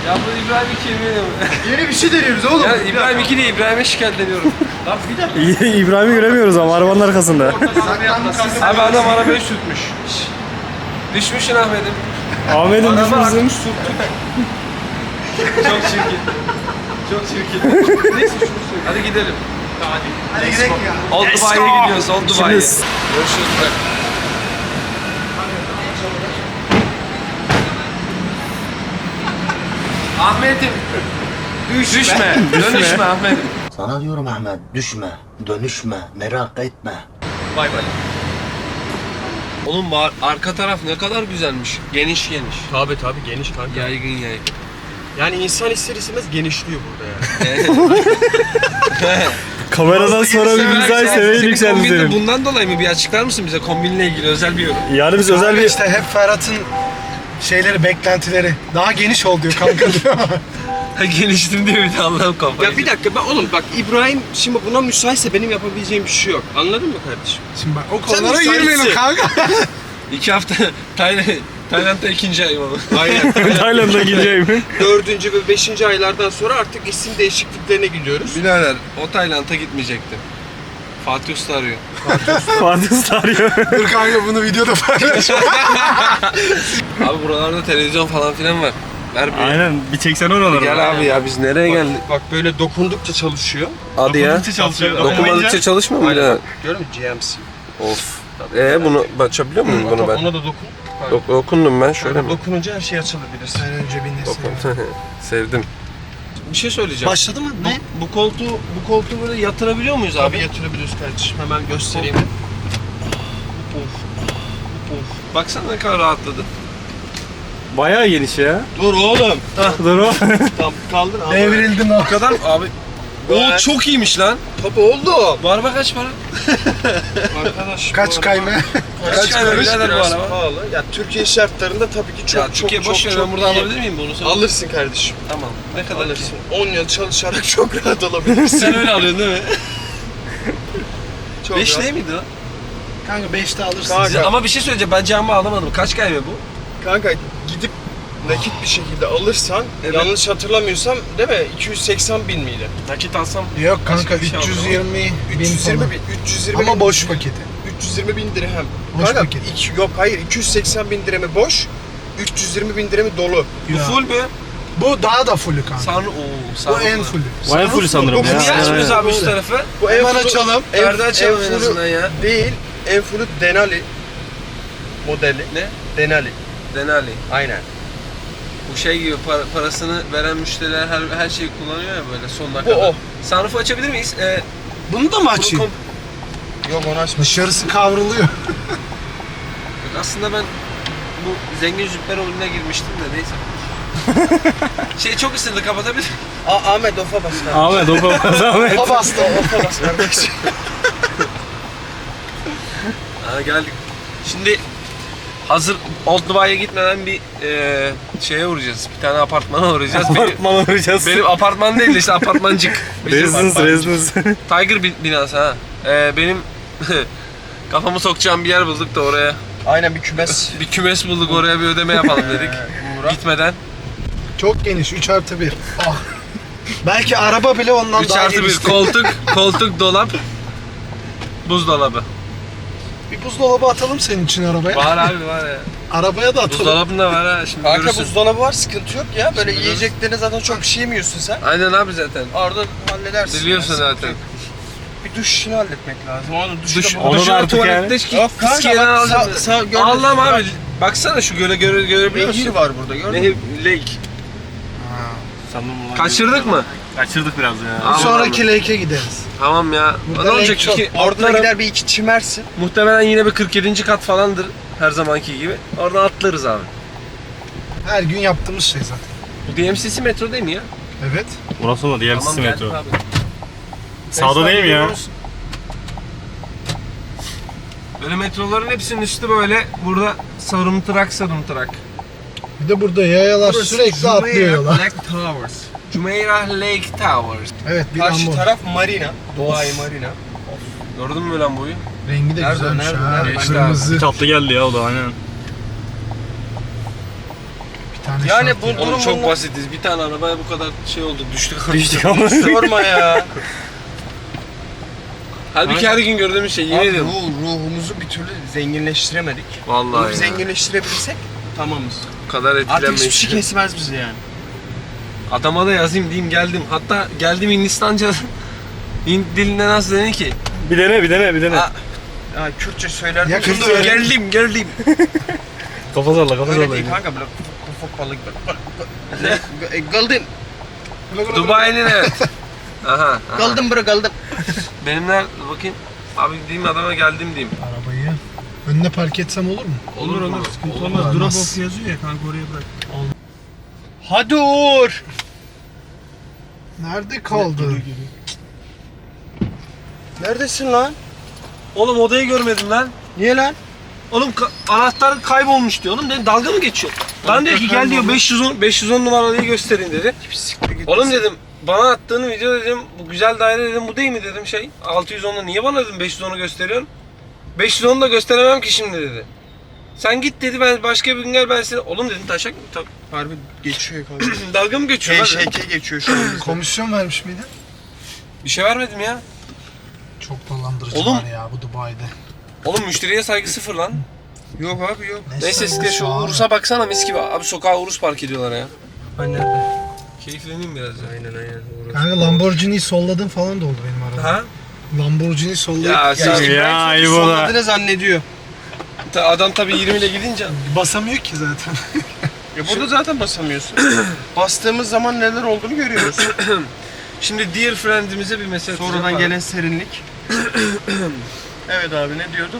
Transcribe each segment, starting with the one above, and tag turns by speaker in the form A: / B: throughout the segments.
A: Ya bu İbrahim 2 eminim.
B: Yeni bir şey deniyoruz oğlum.
A: Ya İbrahim 2 değil, İbrahim'e şikayetleniyorum.
B: Lan bir dakika.
C: İbrahim'i göremiyoruz ama arabanın arkasında.
A: Abi adam arabayı sürtmüş. Düşmüşsün Ahmet'im.
C: Ahmet'in
A: Araba
C: düşmüşsün.
A: artık sürttük. Çok çirkin. Çok çirkin. Neyse şunu söyle. Hadi gidelim.
B: Hadi gidelim ya.
A: Old Dubai'ye gidiyoruz, Old Dubai'ye. Görüşürüz. Ahmet'im. Düşme. Dönüşme Ahmet'im.
D: Sana diyorum Ahmet, düşme, dönüşme, merak etme.
A: Bay bay. Oğlum arka taraf ne kadar güzelmiş. Geniş geniş.
E: Tabii geniş kanka.
A: Yaygın yaygın.
E: Yani insan ister istemez genişliyor burada yani.
C: Kameradan sonra bir mizah seviyeye yükseldi
A: Kombin de
C: senin.
A: bundan dolayı mı? Bir açıklar mısın bize kombinle ilgili özel bir yorum?
C: Yani biz özel bir...
B: İşte hep Ferhat'ın şeyleri, beklentileri. Daha geniş ol diyor kanka diyor.
A: Geliştim diyor bir de Allah'ım kafayı.
E: Ya bir dakika oğlum bak İbrahim şimdi buna müsaitse benim yapabileceğim bir şey yok. Anladın mı kardeşim?
B: Şimdi bak o
E: Sen
B: konulara
E: müsaitsin.
B: girmeyelim kanka.
A: 2 hafta Tayland'da 2. ayım ama.
E: Aynen.
C: Tayland'a gideceğim.
E: 4. ve 5. aylardan sonra artık isim değişikliklerine gidiyoruz.
A: Birader o Tayland'a gitmeyecektim. Fatih Usta arıyor.
C: Fatih Usta arıyor.
B: Dur kanka bunu videoda paylaş.
A: Abi buralarda televizyon falan filan var. Ver bir.
C: Aynen bir çeksen oraları.
A: Gel abi ya biz nereye geldik?
E: Bak böyle dokundukça çalışıyor.
A: Hadi ya.
C: çalışıyor.
A: Dokunmadıkça çalışmıyor mu birader?
E: Görüyor musun GMC?
A: Of. Bunu açabiliyor muyum bunu ben?
E: Ona da dokun.
A: Dokundum ben şöyle mi?
E: Dokununca her şey açılabilir.
B: Sen önce bir nesin.
A: Dokun. Sevdim. Bir şey söyleyeceğim.
B: Başladı mı? Ne?
A: Bu koltuğu böyle yatırabiliyor muyuz
E: Abi
A: abi?
E: yatırabiliyoruz kardeşim. Hemen göstereyim.
A: Baksana ne kadar rahatladı.
C: Bayağı geniş ya.
E: Dur oğlum.
C: Dur o.
E: Tam kaldır abi.
B: Devrildim o.
A: Bu kadar mı abi? O çok iyiymiş lan.
E: Tabii oldu.
A: Bu araba kaç para?
E: Arkadaş.
B: Kaç kayma?
A: Kaç para birader bu
E: Biraz
A: araba?
E: pahalı. Ya Türkiye şartlarında tabii ki çok
A: Ya Türkiye boş ver ben buradan
E: iyi.
A: alabilir miyim bunu? Sen?
E: Alırsın kardeşim.
A: Tamam. Ne kadar ki?
E: Alırsın. 10 yıl çalışarak çok rahat alabilirsin.
A: Sen öyle alıyorsun değil mi?
E: Çok
A: 5
E: rahat.
A: değil miydi o?
B: Kanka 5'te alırsın.
E: Kanka.
A: Ama bir şey söyleyeceğim ben camı alamadım. Kaç kayme bu?
E: Kanka gidip nakit bir şekilde alırsan,
A: Evet.
E: yanlış hatırlamıyorsam değil mi? 280 bin miydi?
A: Nakit alsam.
B: Yok kanka
A: bir şey aldım.
B: 320 bin
E: 320
B: falan.
E: bin, 320
B: Ama
E: bin,
B: boş paketi.
E: 320 bin dirhem.
B: Boş
E: Kanka,
B: paket.
E: yok hayır 280 bin dirhemi boş, 320 bin dirhemi dolu.
A: Bu
B: Ya.
A: full mü?
B: Bu daha da fullü kanka. Bu en fullü.
C: Bayağı full sanırım
A: Bu
C: ya.
A: niye açmıyoruz abi üst
B: Böyle.
A: tarafı?
E: Bu
B: Hemen
E: fullü-
B: açalım.
A: Perde açalım en
E: fullü
A: azından ya.
E: Değil, en fullü Denali modeli.
A: Ne?
E: Denali.
A: Denali.
E: Aynen.
A: Bu şey gibi parasını veren müşteriler her şeyi kullanıyor ya böyle sonuna
E: Bu
A: kadar.
E: o.
A: Sunroof'u açabilir miyiz?
B: Bunu da mı açayım?
E: Yok onu açma.
B: Dışarısı kavruluyor.
A: Aslında ben bu zengin züpper oyununa girmiştim de neyse. Şey çok ısındı kapatabilir.
E: Ahmet ofa bas kardeşim.
C: Ahmet o papaz Ahmet.
B: O bastı.
E: Ofa bas kardeşim.
A: Ha geldik. Şimdi hazır Old Dubai'ye gitmeden bir şeye uğrayacağız. Bir tane apartmana uğrayacağız.
C: Apartmana uğrayacağız.
A: Benim apartman değil de işte apartmancık.
C: Residence.
A: Tiger binası ha. Benim kafamı sokacağım bir yer bulduk da oraya.
E: Aynen bir kümes.
A: Bir kümes bulduk oraya bir ödeme yapalım dedik. Gitmeden.
B: Çok geniş 3+1. Ah. Belki araba bile ondan
A: 3
B: daha
A: artı 1
B: geniş.
A: koltuk, dolap, buzdolabı.
B: Bir buzdolabı atalım senin için arabaya.
A: Var abi var ya.
B: Arabaya da atalım.
A: Buzdolabında var ha şimdi
E: Kanka
A: görürsün.
E: buzdolabı var sıkıntı yok ya. Böyle
A: Şimdi
E: yiyeceklerine zaten çok bir şey yemiyorsun sen.
A: Aynen abi zaten.
E: Orada halledersin.
A: Biliyorsun
E: ya, sıkıntı
A: zaten.
E: yok. Bir duş işini halletmek lazım. Onu duşu
A: Duş,
E: da
C: Onu
A: duşu
C: da
A: da
C: artık
A: tuvalette
E: Yok kanka
A: fiskiyeden
E: bak
A: alacağım.
E: sağ
A: Allah'ım abi. Baksana şu görebiliyor
E: Nehir
A: musun?
E: var burada gördün mü?
A: Nehir, lake. Kaçırdık mı?
C: Kaçırdık biraz ya.
A: Aman
B: Sonraki lake'e gideriz.
A: Tamam ya.
B: Burada
A: Ne olacak
B: lake çok.
A: ki?
E: Orada
A: Orada
E: gider bir iki çimersin.
A: muhtemelen yine bir 47. kat falandır her zamanki gibi. Oradan atlarız abi.
B: Her gün yaptığımız şey zaten.
A: Bu DMCC metro değil mi ya?
B: Evet.
C: Burası mı? Diğer
A: Tamam
C: metro.
A: geldik abi.
C: Sağda değil mi ya?
A: Böyle metroların hepsinin üstü böyle burada sarımtırak.
B: Bir de burada yayalar sürekli atlıyor yola.
E: Black Towers.
A: Jumeirah Lake Towers.
B: Evet bir
E: Karşı
B: Lambo.
E: taraf Marina. Dubai Marina.
A: Gördün mü lan boyu?
B: Rengi de
E: Nerede,
B: güzelmiş
E: nerede,
B: ha.
E: nerede?
B: Kırmızı.
C: Tatlı geldi ya o da aynen.
A: Bir
B: tane
E: Yani
B: şart
E: bu
B: ya.
A: Oğlum
E: durum
A: çok
E: bunlar-
A: basitiz. Bir tane arabaya bu kadar şey oldu. Düştük.
C: Düştük ama.
E: Sorma ya.
A: Halbuki her gün gördüğümüz şey. Yemin
E: Abi
A: ederim.
E: ruhumuzu bir türlü zenginleştiremedik.
A: Vallahi
E: Ruhu
A: ya.
E: zenginleştirebilsek tamamız.
A: Bu kadar
E: Artık hiçbir
A: etkilenmeyiz.
E: şey kesmez bizi yani.
A: Adama da yazayım diyeyim geldim. Hatta geldim Hindistanca. Hint dilinde nasıl dedi ki?
C: Bir dene.
A: Aa,
E: Ya Kürtçe söyler.
B: Ya
E: misin?
B: Kürtçe öyle-
A: geldim.
C: Kafa salla
E: Öyle değil kanka böyle ufak balık böyle. Galdın.
A: Dubai'nin evet. Aha.
E: Galdın bro galdın.
A: Benimler bakayım. Abi diyeyim adama geldim diyeyim.
B: Arabayı önüne park etsem olur mu?
A: Olur mu?
B: Sıkıntı olmaz. Drop off
E: yazıyor ya kanka oraya bırak. Hadi Uğur.
B: Nerede kaldı?
E: Neredesin lan?
A: Oğlum odayı görmedim lan.
E: Niye lan?
A: Oğlum anahtar kaybolmuş diyor. Oğlum dedim dalga mı geçiyor? Ben diyor ki gel diyor 510 numaralıyı gösterin dedi. Oğlum dedim bana attığın video dedim bu güzel daire dedim bu değil mi dedim şey 610'u niye bana dedim 510'u gösteriyorsun? 510'u da gösteremem ki şimdi dedi. Sen git dedi ben başka bir gün gel ben seni. Oğlum dedim taşak mı?
E: Harbi geçiyor kanka.
A: Dalga mı geçiyor lan?
E: KŞK geçiyor şu an bizde.
B: Komisyon vermiş miydi?
A: Bir şey vermedim ya.
B: Çok dolandırıcı
A: Oğlum.
B: var ya bu Dubai'de.
A: Oğlum müşteriye saygı sıfır lan.
E: Yok abi yok.
A: Neyse size şu
B: abi.
A: Urus'a baksana mis gibi. Abi sokağa Urus park ediyorlar ya.
E: Ben nerede?
A: Keyifleneyim biraz ya.
E: Aynen.
B: Kanka Lamborghini'yi solladın falan da oldu benim arada.
A: Ha?
B: Lamborghini sollayıp
A: Ya sen
C: Ya İbo da.
E: Sonladığını zannediyor.
A: adam tabii 20 ile gidince
B: basamıyor ki zaten.
E: Ya burada zaten basamıyorsun. Bastığımız zaman neler olduğunu görüyoruz.
A: şimdi dear friend'imize bir mesaj
E: Sonradan
A: atacağım.
E: gelen serinlik. Evet abi ne diyorduk?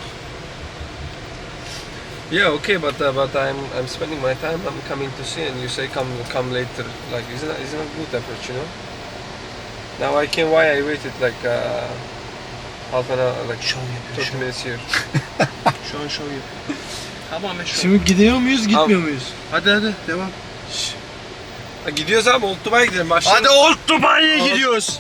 A: Yeah, okay, but I'm spending my time. I'm coming to see, and you say come later. Like, isn't a good approach, you know? Now why I waited like half an hour, like
E: Şov yapıyor
A: 30 minutes here.
E: Şu an şov yapıyor. Tamamen şov.
B: Şimdi gidiyor muyuz gitmiyor muyuz?
E: Hadi devam.
A: Ha, gidiyoruz abi, Old Dubai'ye gidelim. Başlayalım.
E: Hadi Old Dubai'ye gidiyoruz.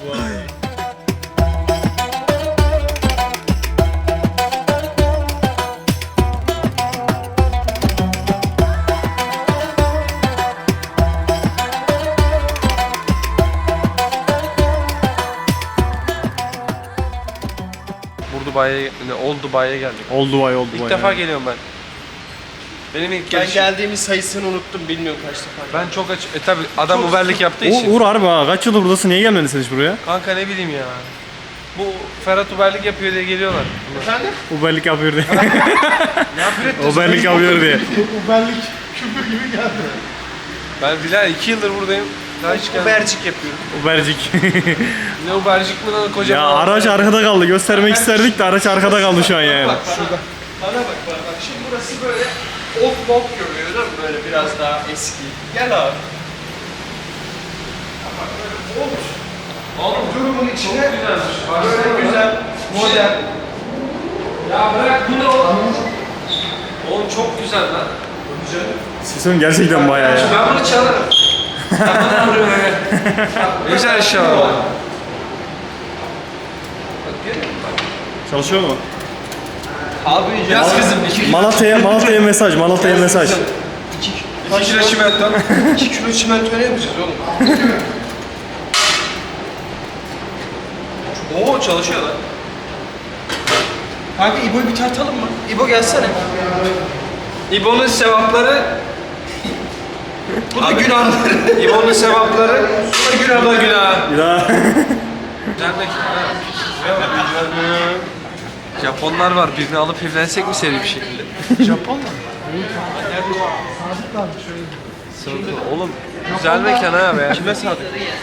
A: Old Dubai'ye geldik.
C: Oldu vay.
A: İlk defa geliyorum ben. Benim ilk
E: Ben
A: gelişim.
E: geldiğimiz sayısını unuttum bilmiyorum kaç defa.
A: Ben çok tabi adam Uber'lik yaptığı için.
C: Uğur harbi ha. Kaç yıldır buradasın? Niye gelmedin sen hiç buraya?
A: Kanka ne bileyim ya. Bu Ferhat Uber'lik yapıyor diye geliyorlar.
E: Efendim?
C: Uberlik yapıyor diye.
E: Nefret ettim.
C: Uberlik yapıyor diye.
B: Uberlik küfür gibi geldi.
A: Ben Bilal 2 yıldır buradayım. Daha hiç gelmedim.
E: Ubercik yapıyorum.
C: Ubercik.
A: Ne Uber'cik mi lan
C: ya
A: kocaman?
C: araç arkada kaldı. Göstermek isterdik de araç arkada kaldı şu an yani.
E: Bana bak. Şimdi burası böyle old mob görüyor değil mi? Böyle biraz daha eski. Gel abi.
A: Oğlum
E: Durumun içine
A: çok güzelmiş.
E: böyle güzel, modern.
A: Ya bırak bu ne oğlum? Oğlum çok güzel lan.
C: Sesin gerçekten bayağı ya.
A: Ben bunu çalarım. Tamam vuruyor öyle. Ne güzel eşya var.
C: Çalışıyor mu?
E: Abi
A: Yaz kızım 2
C: Malatya'ya mesaj.
A: kilo çimento.
E: 2 kilo çimento ne yapacağız oğlum?
A: Oo çalışıyor lan.
E: Kanka İbo'yu bir tartalım mı? İbo gelsene.
A: İbo'nun sevapları.
E: Bu da günahları.
A: İbo'nun sevapları. Bu da günah.
C: Bir daha.
A: Güzel mekan. Japonlar var. Birini alıp evlensek mi seri bir şekilde?
B: Japon mu?
A: Oğlum güzel mekan ha be.
E: Kime sadık?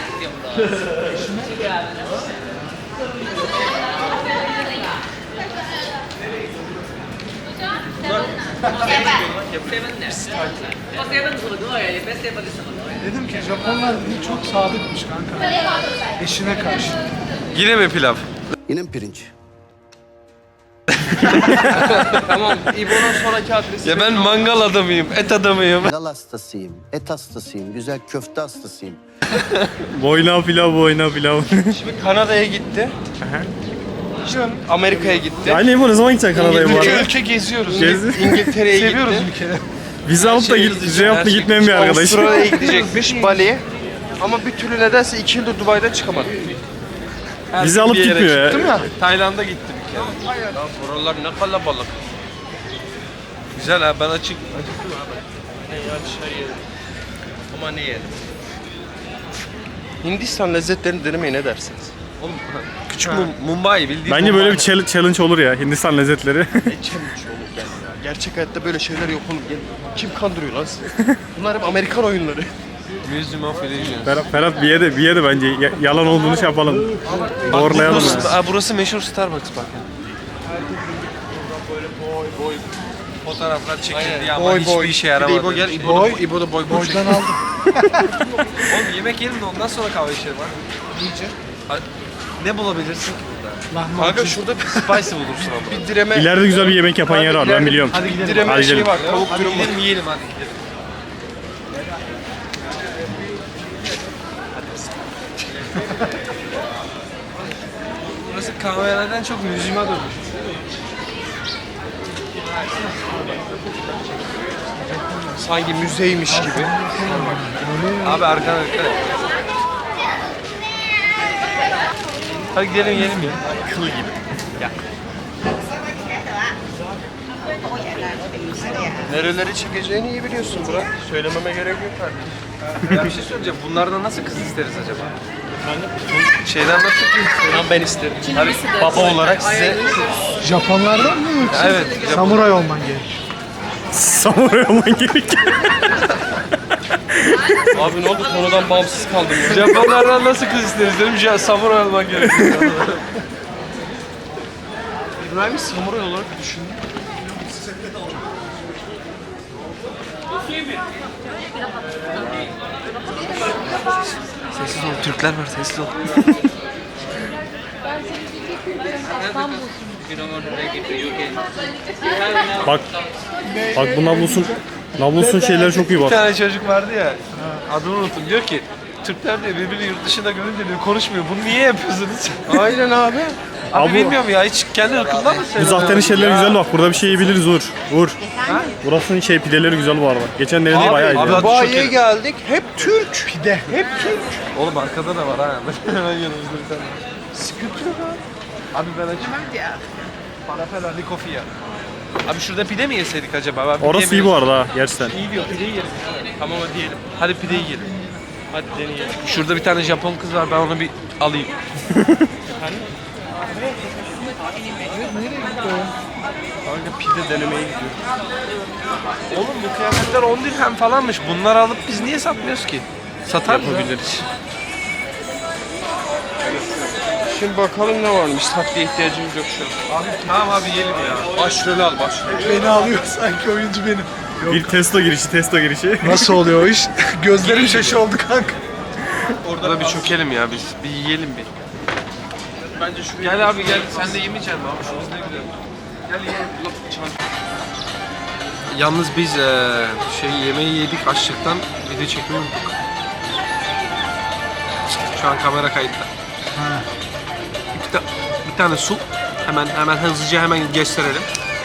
B: Dedim ki Japonlar dedi çok sadıkmış kanka. Eşine karşı.
A: Yine mi pilav?
D: Yine mi pirinç?
E: Tamam İbo'nun sonraki adresi.
A: Ya ben mangal adamıyım, et adamıyım.
D: Dal hastasıyım, et hastasıyım, güzel köfte hastasıyım.
C: Boyna pilav.
E: Şimdi Kanada'ya gitti. Amerika'ya gitti.
C: Aynı İbo ne zaman gideceksin Kanada'ya bu
B: Ülke
C: arada?
B: ülke geziyoruz.
C: Gezi.
E: İngiltere'ye
B: Seviyoruz
E: gitti.
B: ülkeyi.
C: Vize alıp da vize alıp da gitmeyen bir arkadaş.
E: Avustralya'ya gidecekmiş, Bali'ye. Ama bir türlü nedense 2 yıldır Dubai'den çıkamadı.
C: Vize alıp
E: Bir yere
C: gitmiyor ya.
E: çıktım ya. Tayland'a gittim bir kere. Ya buralar ne kalabalık. Güzel ha, ben acıktım abi. Ne ya bir şey yedim. Ama ne yedim? Hindistan lezzetlerini denemeye ne dersiniz? Oğlum küçük Mumbai bildiğin
C: Bence böyle
E: Mumbai.
C: bir challenge olur ya Hindistan lezzetleri.
E: Ne challenge olur gel ya. Gerçek hayatta böyle şeyler yok oğlum. Gel. Kim kandırıyor lan sizi? Bunlar hep Amerikan oyunları. Museum of Illusions.
C: Ferhat bir ye de bence yalan olduğunu şey yapalım. Doğrulayalım yani.
E: Burası meşhur Starbucks bak. Boy fotoğraflar çekildi ama hiçbir işe yaramadı. İbo gel, İbo da boy.
B: Boydan aldım.
E: Oğlum yemek yiyelim de ondan sonra kahve içelim ha.
B: İyice.
E: Ne bulabilirsin ki burada?
B: Lahmacun.
E: Kanka şurada bir spicy bulursun ama. Bir direme...
C: İleride güzel bir yemek yapan yer var ben biliyorum.
E: Hadi gidelim. Direme
C: Hadi
E: şey
C: gidelim.
E: var, tavuk dürüm var. Yiyelim hadi gidelim. Burası kahvelerden çok müziğime dönmüş. Sanki müzeymiş gibi. Abi arkana dikkat et. Hadi gidelim yiyelim ya. Kıl gibi. Gel. Nereleri çekeceğini iyi biliyorsun Burak. Söylememe gerek yok kardeşim. Ya bir şey söyleyeceğim. Bunlardan nasıl kız isteriz acaba? Şeyden nasıl kız? Ben isterim. Hadi baba olarak size...
B: Japonlardan mı yoksa?
E: Evet.
B: Samuray olman gerek.
C: Samuray olman gerekiyor.
E: Abi ne oldu? Konudan bağımsız kaldım ya. Japonlardan nasıl kız isteriz dedim. Samuray olman gerekiyor. İbrahim'i samuray olarak düşündüm. Sessiz ol. Türkler var. Sessiz ol.
C: Bak bu Nablus'un şeyleri çok iyi
E: Bir
C: bak.
E: tane çocuk vardı ya. Adını unuttum. Diyor ki Türkler diyor birbirini yurt dışında görünce diyor konuşmuyor. Bunu niye yapıyorsunuz? Aynen abi. Abi bilmiyorum ya hiç kendi ırkından mı
C: Bu
E: seviyorsun?
C: zahtenin şeyleri güzel bak. Burada bir şey yiyebiliriz Uğur. Burasının pideleri güzel bu arada. Geçen denediğim bayağı iyiydi.
E: abi,
C: ya.
E: Dubai'ye
B: geldik. Hep Türk. Pide. Hep Türk.
E: Oğlum arkada da var ha. Hemen yanımızda bir tane. Sıkıntı yok abi. Abi ben açayım. Falafel Ali Kofi ya. Abi şurada pide mi yeseydik acaba? Ben
C: Orası iyi bu arada ha gerçekten.
E: İyi diyor pideyi yiyelim. Tamam hadi yiyelim. Hadi pideyi yiyelim. Hadi deneyelim. Şurada bir tane Japon kız var ben onu bir alayım. Kanka pide denemeye gidiyorum. Oğlum bu kıyafetler 10 dirhem falanmış. Bunları alıp biz niye satmıyoruz ki? Satar mı? Yapabiliriz. Şimdi bakalım ne varmış. Tatlıya ihtiyacımız yok şu an. Abi tamam abi yiyelim ya. Başrolü al başrolü.
B: Beni alıyor sanki oyuncu benim.
C: Bir testo girişi.
B: Nasıl oluyor o iş? Gözlerim şaşı oldu kanka.
E: Orada bir çökelim ya biz. Bir yiyelim bir. Bence şu gel abi gel. Sen de yemeyeceksin mi abi? Şu biz ne gidelim. Gel yiyelim. Yalnız biz yemeği yedik açlıktan video çekmeyi unuttuk. Şu an kamera kayıtta. Bir tane su. Hemen hızlıca gösterelim.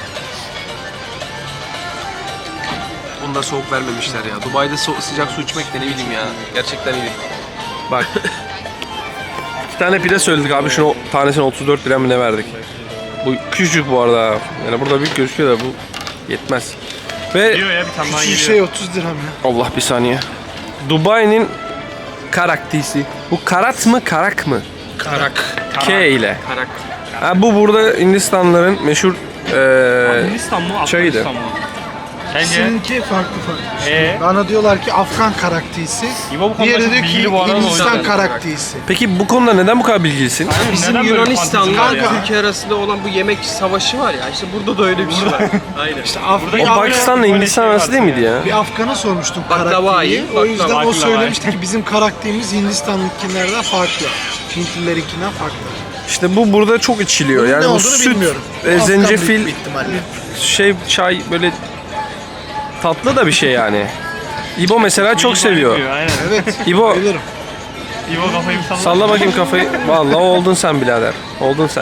E: Bunda soğuk vermemişler ya. Dubai'de sıcak su içmek de ne bileyim ya. Gerçekten iyi. Bak. 2 tane pide söyledik abi. Şunu tanesine 34 lira mı ne verdik? Bu küçücük bu arada. Yani burada büyük gözüküyor da bu yetmez. Ve
C: Geliyor ya bir tane daha
B: Küçük
C: geliyor.
B: şey 30 dirhem ya.
E: Allah bir saniye. Dubai'nin karaktisi. Bu karat mı karak mı? Karak. K ile. Karak. Ha, bu burada Hindistanlıların meşhur
C: Hindistan mı?
E: çayıydı.
C: Afganistan mı? Sence?
B: Seninki farklı. Bana diyorlar ki Afgan karaktisi.
C: İbo bu konuda
B: Diğeri
C: çok
B: diyor ki
C: bilgili bu arada, o
B: Hindistan
C: yüzden.
B: karaktisi.
E: Peki bu konuda neden bu kadar bilgilisin?
C: Bizim Yunanistan'la
E: Türkiye arasında olan bu yemek savaşı var ya. İşte burada da öyle bir şey var. Aynen.
B: İşte
E: O Pakistan'la Hindistan arası değil miydi ya?
B: bir Afgan'a sormuştum
E: Baklava
B: karakteriyi.
E: iyi,
B: O yüzden
C: baklava
B: o
C: iyi.
B: söylemişti ki bizim karakterimiz Hindistanlıkilerden farklı. Hintlilerinkinden farklı.
E: İşte bu burada çok içiliyor.
B: Bunun
E: Yani
B: ne
E: bu
B: olduğunu
E: süt,
B: bilmiyorum. Afgan
E: zencefil,
B: büyük bir ihtimalle.
E: çay böyle tatlı da bir şey yani. İbo mesela çok seviyor.
C: Aynen.
B: Evet.
E: İbo
B: Bilirim.
C: İbo kafayı bir
E: salla bakayım kafayı. Vallahi oldun sen birader. Oldun sen.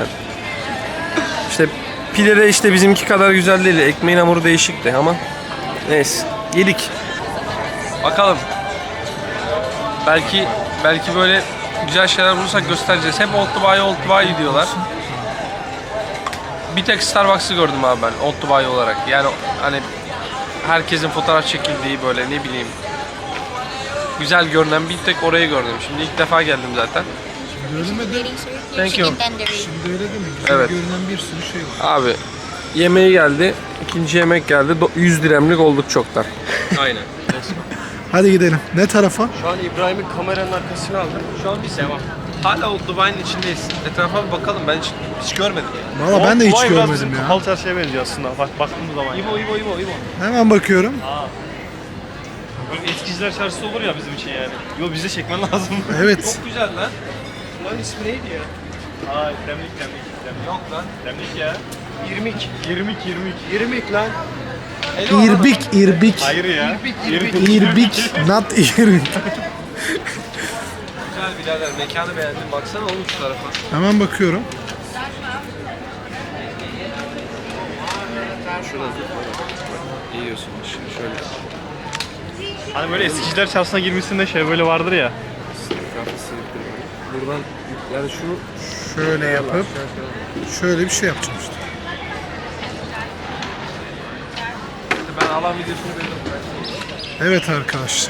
E: İşte pide de işte bizimki kadar güzel değil. Ekmeğin hamuru değişikti ama neyse. Yedik. Bakalım. Belki böyle güzel şeyler bulursak göstereceğiz. Hep Old Dubai diyorlar. Bir tek Starbucks'ı gördüm abi ben Old Dubai olarak. Yani hani herkesin fotoğraf çekildiği böyle ne bileyim güzel görünen bir tek orayı gördüm. Şimdi ilk defa geldim zaten.
B: Öyle mi de?
E: Thank you.
B: Şimdi öyle değil mi? Güzel
E: Evet.
B: görünen bir sürü şey var.
E: Abi yemeği geldi. İkinci yemek geldi. 100 dirhemlik olduk çoktan. Aynen.
B: Hadi gidelim. Ne tarafa?
E: Şu an İbrahim'in kameranın arkasına aldım. Şu an biz devam. Hala Old Dubai'nin içindeyiz. Etrafa bir bakalım. Ben hiç görmedim.
B: Valla ben de hiç
C: Dubai biraz
B: görmedim
C: bizim
B: ya.
C: Kapalı çarşıya benziyor aslında. Bak baktığımız zaman.
E: İbo.
B: Hemen bakıyorum.
C: Böyle eskiciler çarşısı olur ya bizim için yani. Yo bize çekmen lazım.
B: Evet.
E: Çok güzel lan. Bunların ismi neydi ya?
C: Aa, demlik.
E: Yok lan.
C: Demlik ya.
E: İrmik.
C: 20.
E: lan.
B: İrbik.
C: Hayır ya.
B: İrbik. Not irbik.
E: Güzel birader. Mekanı beğendim. Baksana oğlum şu tarafa.
B: Hemen bakıyorum.
E: Şurada yiyorsun. Şöyle.
C: Hani böyle eskiciler çarşısına girmişsin şey böyle vardır ya.
E: Buradan yani şunu
B: Şöyle yapıp şöyle bir şey yapacağım işte.
E: ben alan videosunu beğendim.
B: Evet arkadaşlar.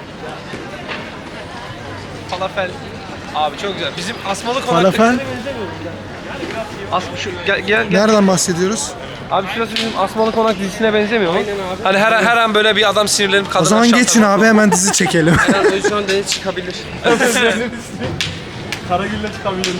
E: Falafel. Abi çok güzel. Bizim Asmalı
B: Falafel.
E: Konak'takine benzemiyor mu? Şu gel.
B: Nereden bahsediyoruz?
E: Abi şurası bizim Asmalı Konak dizisine benzemiyor mu? Aynen abi. Hani her an böyle bir adam sinirlenip kadına
B: O zaman
E: şapka-
B: geçin abi hemen dizi çekelim.
E: Şu an deniz çıkabilir.
C: Karagül'le çıkabilirim.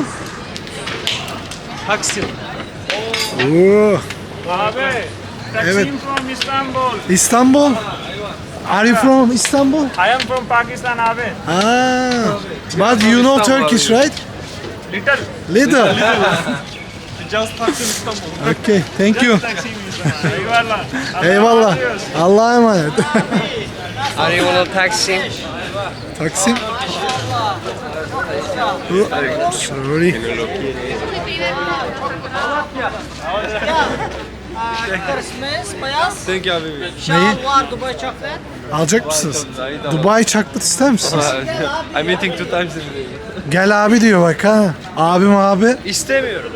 E: Taksim.
B: Oo.
F: Abi,
B: Evet.
F: Taksim from Istanbul.
B: İstanbul. Are you from Istanbul?
F: I am from Pakistan, abi.
B: Ah. But you know Turkish, right?
F: Little
B: Little.
C: Just Taksim İstanbul.
B: Okay, thank you.
F: Taksim Istanbul. Eyvallah.
B: Eyvallah. Allah'a emanet.
E: Are you on Taksim?
B: Taksim. Sorry.
E: Thank you abi.
B: Neyi? Alacak mısınız? Dubai chocolate ister misiniz?
E: I'm eating 2 times a day.
B: Gel abi diyor bak ha. Abim abi.
E: İstemiyorum.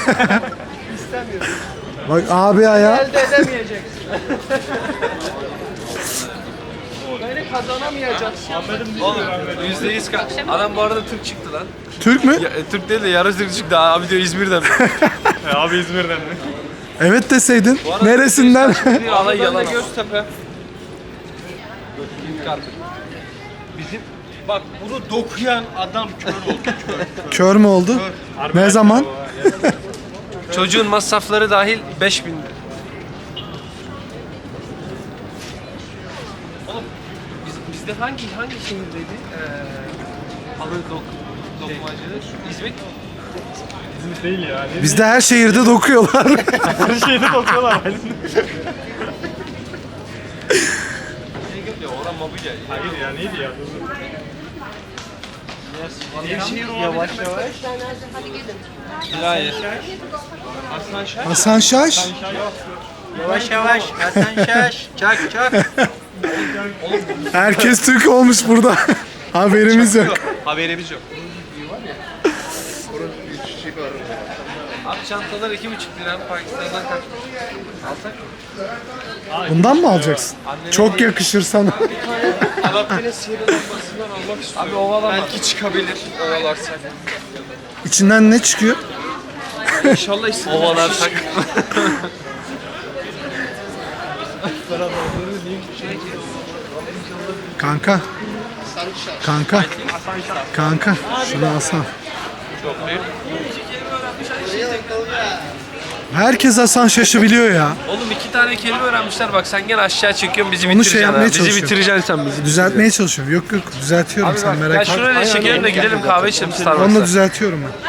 B: Bak abi ayağı.
E: Elde edemeyeceksin. Böyle kazanamayacaksın. Oğlum %100 adam bu arada Türk çıktı lan.
B: Türk mü?
E: Türk değil de yarı Türk çıktı. Abi diyor İzmir'den.
C: Abi İzmir'den mi?
B: Evet deseydin. Neresinden?
E: Alay yalan. Göztepe. Bizim bak bunu dokuyan adam kör oldu.
B: Kör mü oldu? Ne zaman?
E: Çocuğun masrafları dahil 5000. Oğlum bizde hangi şehirdeydi? Halı dokmacı. İzmit.
C: İzmir değil ya.
B: Bizde her şehirde dokuyorlar.
C: Her şeyde bakıyorlar.
E: Oradan Mabuca.
C: Hayır ya neydi ya?
E: Yavaş. Hayır.
B: Hasan Şaş.
E: Yavaş. Hasan Şaş. Çak.
B: Herkes Türk olmuş burada. Haberimiz yok.
E: Haberimiz yok. Abi çantalar 2,5 lira. Pakistan'dan kaç? Alsak mı?
B: Bundan mı alacaksın? Çok yakışır sana.
E: Alapte'nin sihirli lambasından almak istiyorum. Abi ovalama. Belki çıkabilir ovalarsak.
B: İçinden ne çıkıyor?
E: İnşallah istediğimiz ovalarsak.
B: Kanka. Kanka. Şunu alsana. Herkes Hasan Şaş'ı biliyor ya.
E: Oğlum 2 tane kelime öğrenmişler bak sen gene aşağı çekiyorsun bizi
B: Onu
E: bitireceksin.
B: şey yapmaya
E: ha. Bizi
B: çalışıyorum.
E: bitireceksin sen bizi.
B: Düzeltmeye çalışıyorum. Yok düzeltiyorum
E: Abi
B: sen
E: bak,
B: merak
E: ya
B: etme.
E: şuraya çekelim de gidelim kahve içelim
B: Onu da
E: Starbucks'ta.
B: düzeltiyorum ben.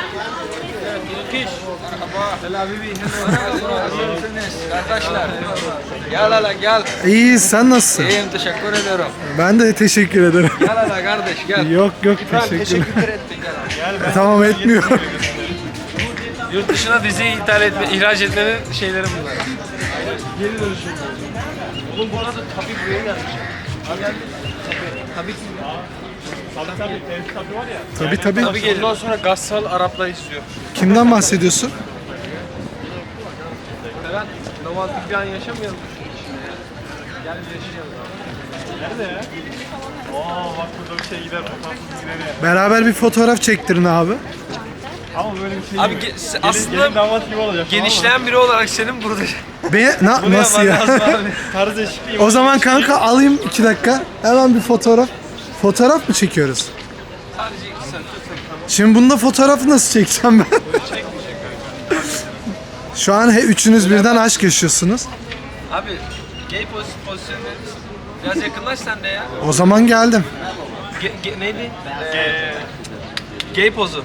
E: Arkadaşlar gel hala gel.
B: İyi sen nasılsın?
E: İyiyim teşekkür ediyorum.
B: Ben de teşekkür ederim.
E: Gel hala kardeş gel.
B: Yok teşekkür
E: Teşekkür ettin gel.
B: Tamam etmiyorum.
E: Yurt dışına dizi ihraç etmenin şeyleri bunlar.
A: Oğlum bu arada tabii buraya gelmiş. Tabii
F: Tabii var ya.
B: Tabii.
A: tabii geliyor. Ondan sonra Gassal Araplar izliyor.
B: Kimden bahsediyorsun?
A: Ben romantik bir an yaşamayalım şunun içinde ya. Gel bir yaşayalım abi.
F: Nerede ya? Oo bak burada bir şey gider. Fotoğrafsız gider ya.
B: Beraber bir fotoğraf çektirin abi.
F: Ama böyle bir şey
A: Abi
F: yok.
A: aslında
F: Gelin damat gibi olacak.
A: genişleyen biri olarak senin burada
B: Nasıl ya?
F: Tarz değişikliği.
B: O zaman kanka alayım 2 dakika. Hemen bir fotoğraf. Fotoğraf mı çekiyoruz?
A: sadece 2 saat.
B: Şimdi bunda fotoğrafı nasıl çekeceğim ben? Şu an üçünüz birden aşk yaşıyorsunuz.
A: Abi gay pozisyonu verir misin? Biraz yakınlaş sen de ya.
B: O zaman geldim.
A: Neydi? Gay pozu.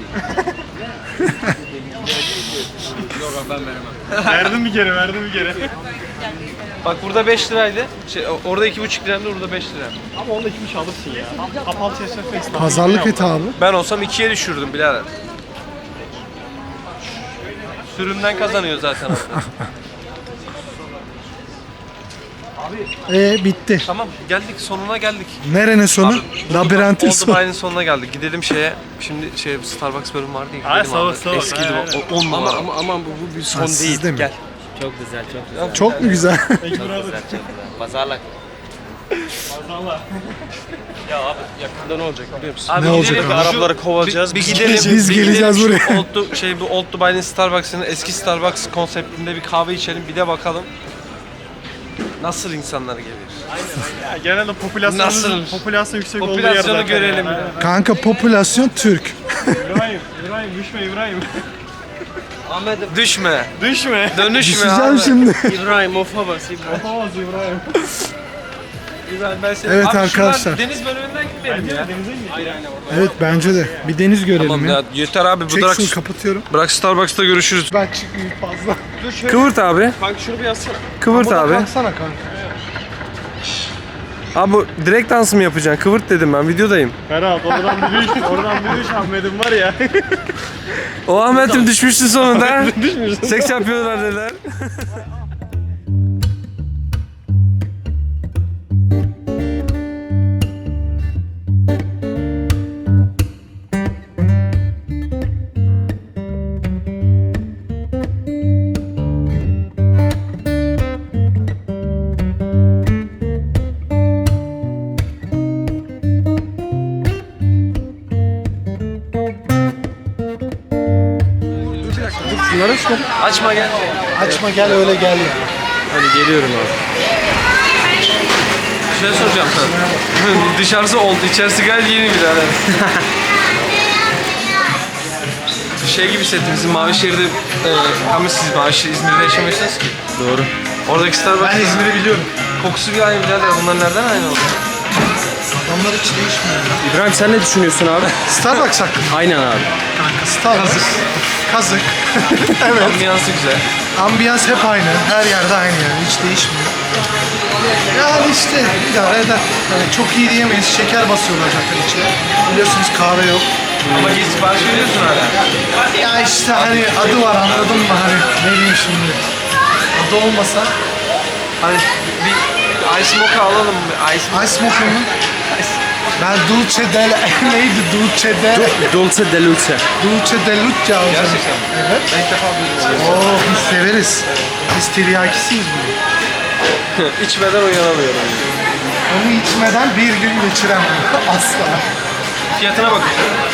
A: Yok abi ben veremem.
F: Verdim bir kere.
A: Bak burada 5 liraydı. Orada 2,5 liraydı, burada 5 lira.
F: Ama onda kimmiş alırsın ya. Kapalı çeşme festivali.
B: Pazarlık et abi.
A: Ben olsam 2'ye düşürdüm birader. Sürümden kazanıyor zaten.
B: Bitti.
A: Tamam geldik, sonuna geldik.
B: Nerenin sonu? Labirentin
A: Oldu
B: sonu.
A: Bay'ın sonuna geldik. Gidelim şeye. Şimdi Starbucks bölüm vardı ya.
F: Ay,
A: Gidelim abi.
F: Starbucks.
A: Eskidi o 10 numara. Ama bu bir son
B: Ha,
A: değil.
B: sizde mi?
A: Gel.
G: Çok güzel, çok güzel.
B: Çok mu güzel?
G: Çok güzel. Pazarlık.
F: Valla.
A: Ya abi yakında ne olacak biliyor musun?
B: Ne olacak abi?
A: Arapları kovacağız. Bir gidelim.
B: Biz
A: bir
B: geleceğiz
A: gidelim
B: buraya.
A: Şu bu Old Dubai'nin Starbucks'ın eski Starbucks konseptinde bir kahve içelim. Bir de bakalım nasıl insanlar gelir.
F: Ya, genelde popülasyon yüksek olduğu yer
A: Popülasyonu
F: zaten
A: görelim.
F: ya.
B: Kanka popülasyon Türk.
F: İbrahim düşme İbrahim.
A: Düşme.
F: Düşme.
A: Dönüşme
B: Düşeceğim
A: abi.
B: şimdi.
G: İbrahim, ofa bas İbrahim.
F: Yapamaz İbrahim.
A: İbrahim, ben seni...
B: Evet
A: Abi
B: arkadaşlar.
A: şuradan deniz bölümünden gitmeyelim ya.
F: Denize mi gidiyor?
B: Evet bence de. Bir deniz görelim
A: Tamam
B: ya.
A: ya yeter abi.
B: Çek şunu kapatıyorum.
A: Bırak Starbucks'ta görüşürüz.
B: Ben çıkmayayım fazla.
A: Kıvırt abi.
F: Kanka şunu bir yazsana.
A: Kıvırt abi.
B: Kalksana kanka.
A: Abi bu direkt dans mı yapacaksın? Kıvırt dedim ben videodayım.
F: Ferhat oradan bir düş Ahmet'im var ya.
A: O Ahmet'im düşmüştü sonunda. Seks yapıyorlar dediler. Açma gel.
B: Açma gel öyle gel ya.
A: Hadi geliyorum abi. Bir şey soracağım sana. Dışarısı oldu, içerisi gayet yeni birader. Şey gibi hissettim, bizim Mavişehir'de ama siz İzmir'de yaşamıyorsunuz ki.
G: Doğru.
A: Oradaki Starbucks.
B: Ben İzmir'i biliyorum.
A: Kokusu bir aynı birader. Bunlar nereden aynı oldu?
B: Adamlar hiç değişmiyor.
G: İbrahim sen ne düşünüyorsun abi?
B: Starbucks hakkında.
G: Aynen abi.
B: Kanka Starbucks. Kazık. Evet.
A: Ambiyansı güzel.
B: Ambiyans hep aynı. Her yerde aynı yani. Hiç değişmiyor. Yani işte idare eder. Yani çok iyi diyemeyiz. Şeker basıyorlar zaten içine. Biliyorsunuz kahve yok.
A: Ama git sipariş veriyorsun hala.
B: Ya işte hani adı var anladın mı? Hani ne diyeyim şimdi. Adı olmasa
A: Hani bir ice mocha alalım mı?
B: Ice Mocha mı? Ben Dulce del... Neydi? Dulce del...
G: Dulce de luce.
B: Dulce de Luce alacağım.
A: Gerçekten mi?
B: Evet.
A: Ben ilk defa duydum.
B: Oo biz severiz. Biz tiryakisiyiz bunu.
A: İçmeden uyanamıyorum.
B: Onu içmeden bir gün geçiremem. Asla.
A: Fiyatına bak.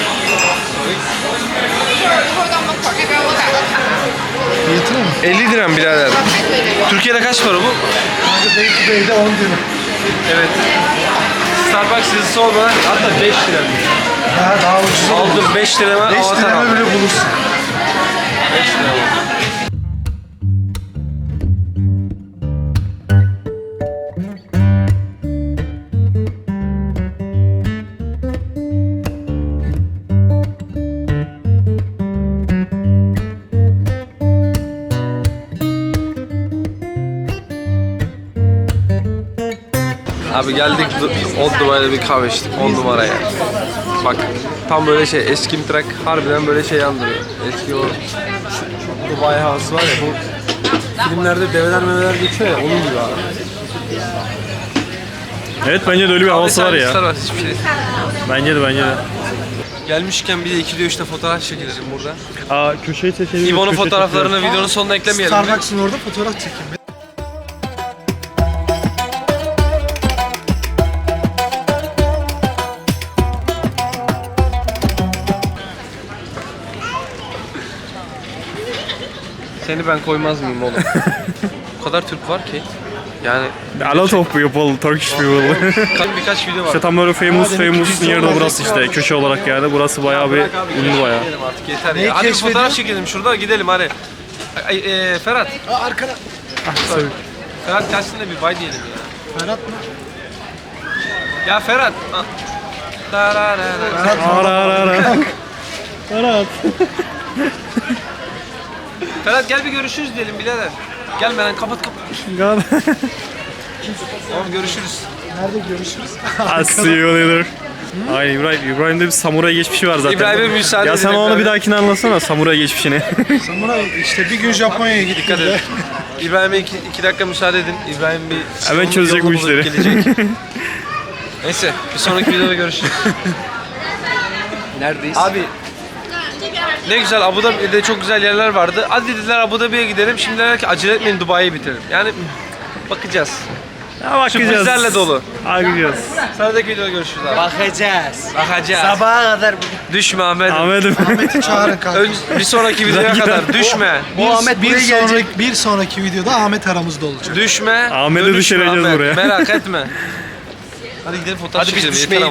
B: Fiyatı mı?
A: 50 dirhem birader. Türkiye'de kaç para bu?
B: Kanka day to day'de 10 diyorum.
A: Evet. Starbucks yazısı olmadan hatta 5 dirhem.
B: Ha, daha ucuz olur.
A: Aldım 5 dirheme
B: 5
A: avatar
B: liraya
A: aldım.
B: bile bulursun.
A: 5 dirhem. Abi geldik Old Dubai'de bir kahve içtik 10 numara ya. Bak tam böyle şey eski bir trak harbiden böyle şey andırıyor. Eski o Dubai House var ya bu filmlerde develer meveler geçiyor ya onun gibi abi.
C: Evet bence de öyle bir havası var ya.
E: Var, hiçbir şey.
C: Bence de bence de.
E: Gelmişken bir de 2'de 3'te fotoğraf çekelim burada.
C: Aa köşeyi seçelim.
E: İbo'nun fotoğraflarını videonun sonuna eklemeyelim mi?
B: Starbucks'ın orada fotoğraf çekeyim.
E: Seni ben koymaz mıyım oğlum? O kadar Türk var ki. Yani
C: A lot of people, Turkish people.
E: birkaç video var.
C: İşte tam böyle famous yerde burası işte köşe olarak yani. Burası bayağı bir ünlü bayağı.
E: Gidelim artık yeter
B: Neyi
E: ya. Hadi bir
B: keşfediyor?
E: fotoğraf çekelim şurada gidelim hadi. Ferhat.
B: Arkada.
E: Ferhat gelsin de bir bay diyelim ya.
B: Ferhat mı?
E: Ya Ferhat.
C: Ara ara ara. Ferhat.
E: Ferhat gel bir görüşürüz diyelim birader. Gelmeden kapat. Tamam görüşürüz.
B: Nerede görüşürüz?
C: I'll see you later. Aynen İbrahim'de bir samuray geçmişi var zaten.
E: İbrahim'e müsaade
C: Ya sen
E: edin
C: onu
E: İbrahim.
C: bir dahakine anlatsana samuray geçmişini.
B: Samuray işte bir gün Japonya'ya gittik.
E: Dikkat edin. İbrahim'e 2 dakika müsaade edin. İbrahim bir...
C: Hemen çözecek bu
E: yolunu bulup
C: işleri.
E: gelecek. Neyse bir sonraki videoda görüşürüz. Neredeyiz? Abi ne güzel Abu Dhabi'de çok güzel yerler vardı. Hadi dediler Abu Dhabi'ye gidelim. Şimdi dediler ki acele etmeyin Dubai'yi bitirelim. Yani bakacağız.
C: Ya bakacağız.
E: Sürprizlerle dolu.
C: Bakacağız.
E: Sonraki videoda görüşürüz abi.
G: Bakacağız.
E: Bakacağız.
G: Sabaha kadar
E: Düşme Ahmet'im.
C: Ahmet'im.
B: Ahmet'i çağırın kanka.
E: Bir sonraki videoya kadar düşme.
B: Bir sonraki videoda Ahmet aramızda olacak.
E: Düşme.
C: Ahmet'i
E: dönüşme
C: düşüreceğiz
E: Ahmet.
C: buraya.
E: Merak etme. Hadi gidelim fotoğraf çekelim. Yeter ama.